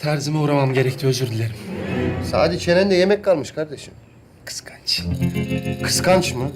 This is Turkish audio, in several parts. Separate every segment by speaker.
Speaker 1: Terzime uğramam gerekti, özür dilerim.
Speaker 2: Sadi çenende yemek kalmış kardeşim.
Speaker 1: Kıskanç.
Speaker 2: Kıskanç mı?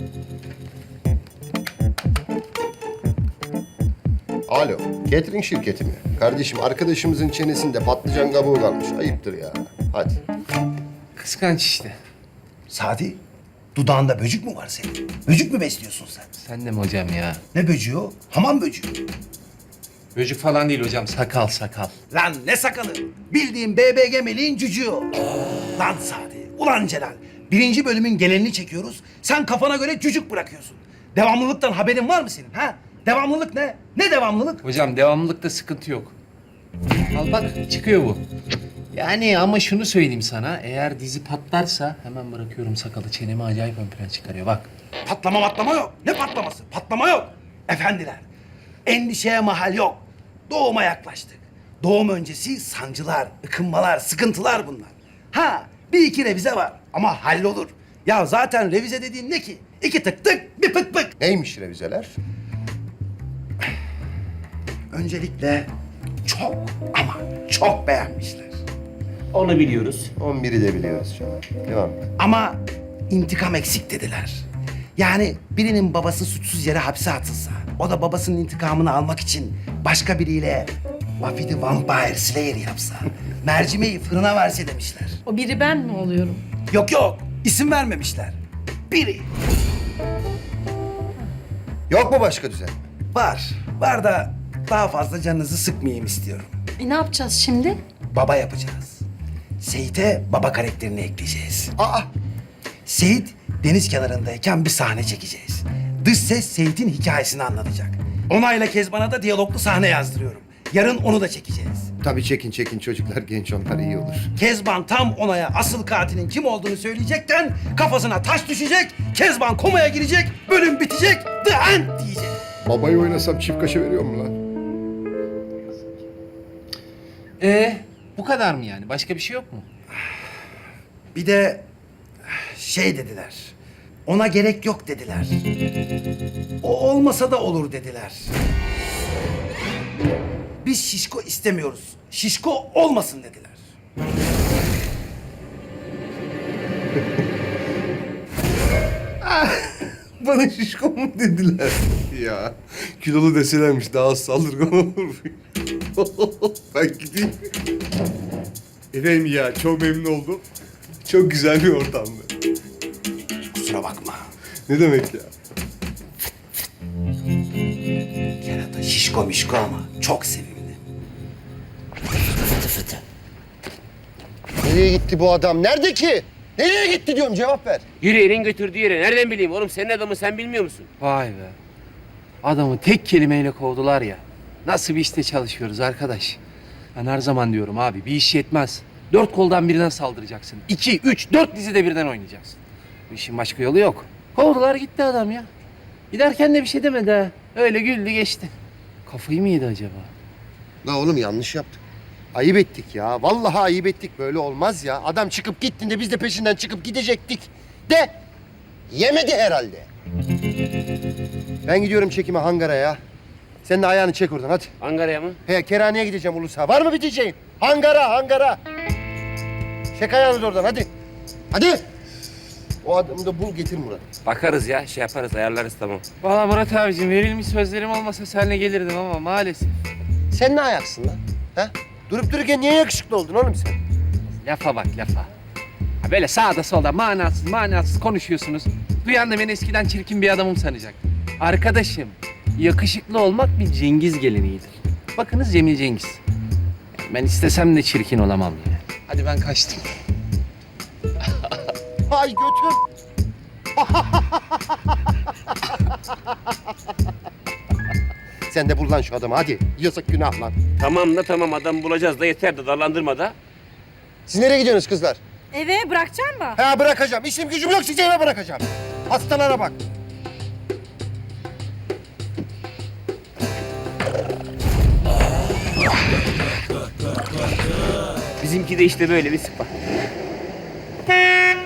Speaker 2: Alo, catering şirketi mi? Kardeşim arkadaşımızın çenesinde patlıcan kabuğu kalmış. Ayıptır ya. Hadi.
Speaker 1: Kıskanç işte.
Speaker 3: Sadi, dudağında böcük mü var senin? Böcük mü besliyorsun sen?
Speaker 1: Sen de mi hocam ya?
Speaker 3: Ne böcüğü o? Hamam böcüğü.
Speaker 1: Böcük falan değil hocam, sakal sakal.
Speaker 3: Lan ne sakalı? Bildiğin BBG meleğin cücüğü o. Lan Sadi, ulan Celal. 1. bölümün genelini çekiyoruz. Sen kafana göre cücük bırakıyorsun. Devamlılıktan haberin var mı senin ha? Devamlılık ne? Ne devamlılık?
Speaker 1: Hocam devamlılıkta sıkıntı yok. Al bak, çıkıyor bu. Yani ama şunu söyleyeyim sana, eğer dizi patlarsa hemen bırakıyorum sakalı, çenemi acayip ön plana çıkarıyor bak.
Speaker 3: Patlama yok. Ne patlaması? Patlama yok. Efendiler, endişeye mahal yok. Doğuma yaklaştık. Doğum öncesi sancılar, ıkınmalar, sıkıntılar bunlar. Ha, bir iki revize var ama hallolur. Ya zaten revize dediğin ne ki? 2 tık tık, bir pık pık.
Speaker 2: Neymiş revizeler?
Speaker 3: Öncelikle çok ama çok beğenmişler.
Speaker 4: Onu biliyoruz.
Speaker 2: 11'i de biliyoruz canım. Devam.
Speaker 3: Ama intikam eksik dediler. Yani birinin babası suçsuz yere hapse atılsa, o da babasının intikamını almak için başka biriyle Buffy the Vampire Slayer yapsa, mercimeği fırına verse demişler.
Speaker 5: O biri ben mi oluyorum?
Speaker 3: Yok, isim vermemişler. Biri.
Speaker 2: Yok mu başka düzen?
Speaker 3: Var da daha fazla canınızı sıkmayayım istiyorum.
Speaker 5: Ne yapacağız şimdi?
Speaker 3: Baba yapacağız. Seyit'e baba karakterini ekleyeceğiz.
Speaker 2: Aa!
Speaker 3: Seyit deniz kenarındayken bir sahne çekeceğiz. Dış ses Seyit'in hikayesini anlatacak. Onayla Kezban'a da diyaloglu sahne yazdırıyorum. Yarın onu da çekeceğiz.
Speaker 2: Tabii çekin çocuklar genç onlar iyi olur.
Speaker 3: Kezban tam Onay'a asıl katilin kim olduğunu söyleyecekken kafasına taş düşecek, Kezban komaya girecek, bölüm bitecek, the end diyecek.
Speaker 2: Babayı oynasam çift kaşe veriyor mu lan?
Speaker 1: Bu kadar mı yani? Başka bir şey yok mu?
Speaker 3: Bir de şey dediler. Ona gerek yok dediler. O olmasa da olur dediler. Biz şişko istemiyoruz. Şişko olmasın dediler.
Speaker 2: Bana şişko mu dediler? Ya kilolu deselermiş daha az saldırgan olur. Ben gideyim.
Speaker 6: Efendim ya çok memnun oldum. Çok güzel bir ortamdı.
Speaker 3: Kusura bakma.
Speaker 2: Ne demek ya?
Speaker 3: Kerata şişko mişko ama çok sevimli. Fıtı fıtı.
Speaker 2: Nereye gitti bu adam? Nerede ki? Nereye gitti diyorum cevap ver.
Speaker 4: Yürü elin götürdüğü yere. Nereden bileyim oğlum? Senin adamı sen bilmiyor musun?
Speaker 1: Vay be. Adamı tek kelimeyle kovdular ya. Nasıl bir işte çalışıyoruz arkadaş? Ben her zaman diyorum abi, bir iş yetmez. 4 koldan birden saldıracaksın. 2, 3, 4 dizide birden oynayacaksın. Bu işin başka yolu yok. Kovdular gitti adam ya. Giderken de bir şey demedi ha. Öyle güldü geçti. Kafayı mı yedi acaba?
Speaker 2: La oğlum yanlış yaptık. Ayıp ettik ya. Vallahi ayıp ettik. Böyle olmaz ya. Adam çıkıp gittiğinde biz de peşinden çıkıp gidecektik. De yemedi herhalde. Ben gidiyorum çekime hangara ya. Sen de ayağını çek oradan hadi.
Speaker 4: Ankara'ya mı?
Speaker 2: He Kerhane'ye gideceğim Ulus'a. Var mı bir diyeceğin? Hangara. Çek ayağını da oradan hadi. Hadi. O adamı da bul getir Murat.
Speaker 4: Bakarız ya. Şey yaparız. Ayarlarız tamam.
Speaker 1: Vallahi Murat abicim, verilmiş sözlerim olmasa seninle gelirdim ama maalesef.
Speaker 2: Sen ne ayaksın lan? Ha? Durup dururken niye yakışıklı oldun oğlum sen?
Speaker 1: Lafa bak lafa. Ha böyle sağda solda manasız konuşuyorsunuz. Duyan da beni eskiden çirkin bir adamım sanacak. Arkadaşım, yakışıklı olmak bir Cengiz geleneğidir. Bakınız Cemil Cengiz. Ben istesem de çirkin olamam yani. Hadi ben kaçtım.
Speaker 2: Ay götüm. Sen de bul lan şu adamı hadi. Yasak günah lan.
Speaker 4: Tamam da tamam. Adam bulacağız da yeter de darlandırma da.
Speaker 2: Siz nereye gidiyorsunuz kızlar?
Speaker 5: Eve bırakacak mı?
Speaker 2: Ha bırakacağım. İşim gücüm yok sizi eve bırakacağım. Hastalara bak.
Speaker 4: Bizimki de işte böyle bir sıpa.
Speaker 7: Hey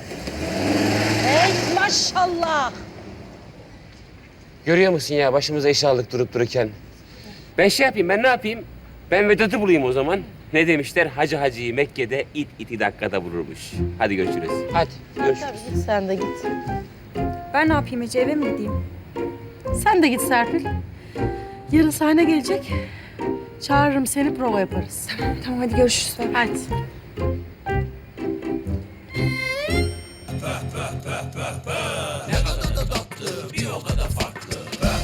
Speaker 7: maşallah.
Speaker 4: Görüyor musun ya? Başımıza iş aldık durup dururken. Ben şey yapayım. Ben ne yapayım? Ben Vedat'ı bulayım o zaman. Ne demişler? Hacı hacıyı Mekke'de it iti dakikada vururmuş. Hadi görüşürüz. Hadi görüşürüz.
Speaker 5: Tabii git sen de git.
Speaker 8: Ben ne yapayım Ece, eve mi gideyim?
Speaker 5: Sen de git Serpil. Yarın sahne gelecek. Çağırırım seni, prova yaparız.
Speaker 8: Tamam hadi görüşürüz.
Speaker 5: Hadi.
Speaker 9: Bir o kadar farklı.